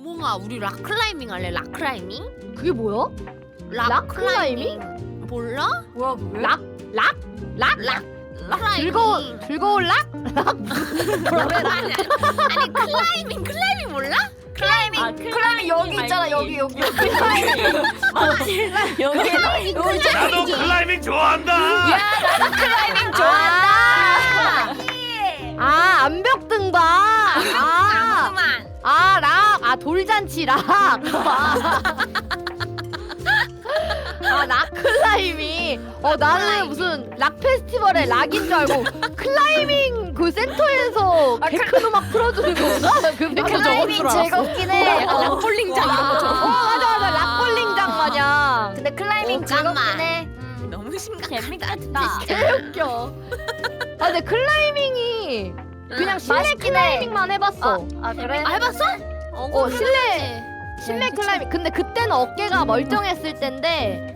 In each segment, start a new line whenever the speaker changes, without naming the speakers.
몽아 우리 락클라이밍 할래? 락클라이밍?
그게 뭐야? 락클라이밍?
몰라?
뭐야 그게?
락?
락클라이밍
즐거운 락?
아니 클라이밍 몰라?
클라이밍 여기 있잖아 여기
여기
나도 클라이밍 좋아한다.
클라이밍
암벽 등반. 락. 돌잔치 락. 락클라이밍. 나는 무슨 락 페스티벌의 락인 줄 알고 클라이밍 그 센터에서 데크노 막 풀어주는 건가?
클라이밍 즐겁긴 해.
락볼링장 이런 거죠.
맞아 락볼링장 마냥.
근데 클라이밍 즐겁긴 해.
너무 심각하다.
재밌겠다.
개웃겨. 근데 클라이밍이 그냥 실내
맛있긴 해.
클라이밍만 해봤어.
아 그래?
해봤어?
실내 클라이밍. 근데 그때는 어깨가 멀쩡했을 텐데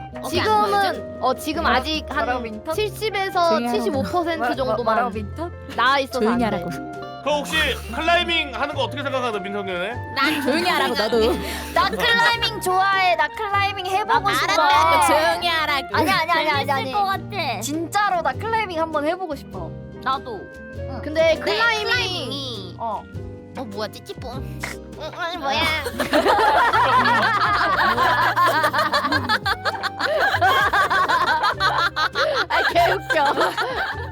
지금 아직 한
뭐라고, 민턴?
70에서
조용히
75% 정도만
민턴?
나아 있어서
조용히
안 돼.
하라고.
그 혹시 클라이밍 하는 거 어떻게 생각하나 민성년에?
난
조용히 하라고 너도.
나 클라이밍 좋아해. 나 클라이밍 해보고 싶어.
알았다. 조용히 하라고.
아니.
재밌을 것 같아.
진짜로 나 클라이밍 한번 해보고 싶어.
나도.
근데
네,
클라이밍이
뭐야 찌찌뽕. 아니 뭐야?
개웃겨.